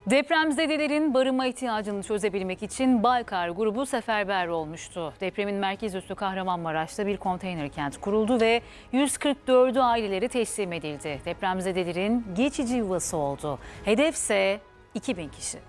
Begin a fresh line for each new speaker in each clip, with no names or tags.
Depremzedelerin barınma ihtiyacını çözebilmek için Baykar grubu seferber olmuştu. Depremin merkez üssü Kahramanmaraş'ta bir konteyner kent kuruldu ve 144'ü aileleri teslim edildi. Depremzedelerin geçici yuvası oldu. Hedefse 2000 kişi.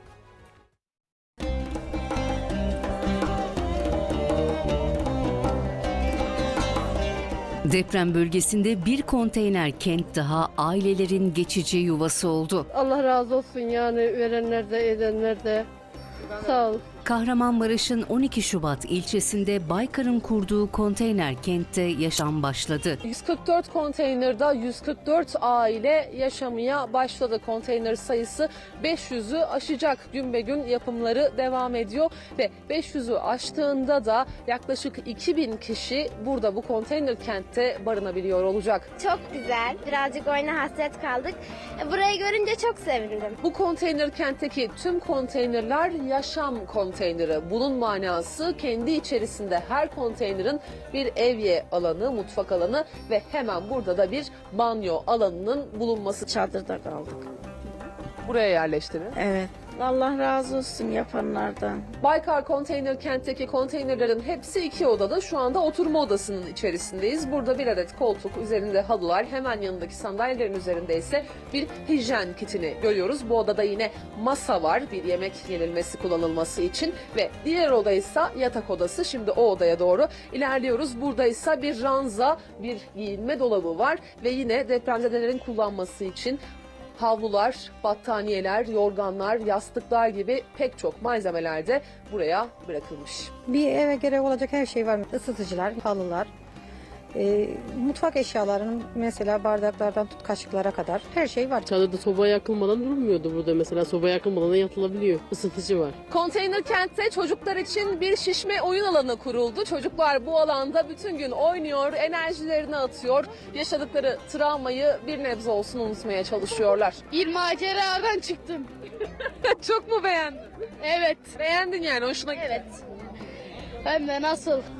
Deprem bölgesinde bir konteyner kent daha ailelerin geçici yuvası oldu.
Allah razı olsun yani verenler de edenler de. Sağ ol.
Kahramanmaraş'ın 12 Şubat ilçesinde Baykar'ın kurduğu konteyner kentte yaşam başladı.
144 konteynerda 144 aile yaşamaya başladı. Konteyner sayısı 500'ü aşacak. Gün be gün yapımları devam ediyor ve 500'ü aştığında da yaklaşık 2000 kişi burada bu konteyner kentte barınabiliyor olacak.
Çok güzel. Birazcık oyuna hasret kaldık. Burayı görünce çok sevindim.
Bu konteyner kentteki tüm konteynerler yaşam konteyneri. Bunun manası kendi içerisinde her konteynerin bir evye alanı, mutfak alanı ve hemen burada da bir banyo alanının bulunması.
Çadırda kaldık.
Buraya yerleştiniz.
Evet. Allah razı olsun yapanlardan.
Baykar konteyner kentteki konteynerlerin hepsi 2 odada. Şu anda oturma odasının içerisindeyiz. Burada bir adet koltuk, üzerinde halılar, hemen yanındaki sandalyelerin üzerinde ise bir hijyen kitini görüyoruz. Bu odada yine masa var, bir yemek yenilmesi kullanılması için ve diğer oda ise yatak odası. Şimdi o odaya doğru ilerliyoruz. Burada ise bir ranza, bir giyinme dolabı var ve yine depremzedelerin kullanması için havlular, battaniyeler, yorganlar, yastıklar gibi pek çok malzemeler de buraya bırakılmış.
Bir eve gerek olacak her şey var. Isıtıcılar, halılar, mutfak eşyalarının mesela bardaklardan tut kaşıklara kadar her şey var.
Çadırda soba yakılmadan durmuyordu burada mesela. Soba yakılmadan yatılabiliyor. Isıtıcı var.
Konteyner kentte çocuklar için bir şişme oyun alanı kuruldu. Çocuklar bu alanda bütün gün oynuyor, enerjilerini atıyor. Yaşadıkları travmayı bir nebze olsun unutmaya çalışıyorlar.
Bir maceradan çıktım.
Çok mu beğendin?
Evet.
Beğendin yani, hoşuna gitti.
Evet. Hem de nasıl?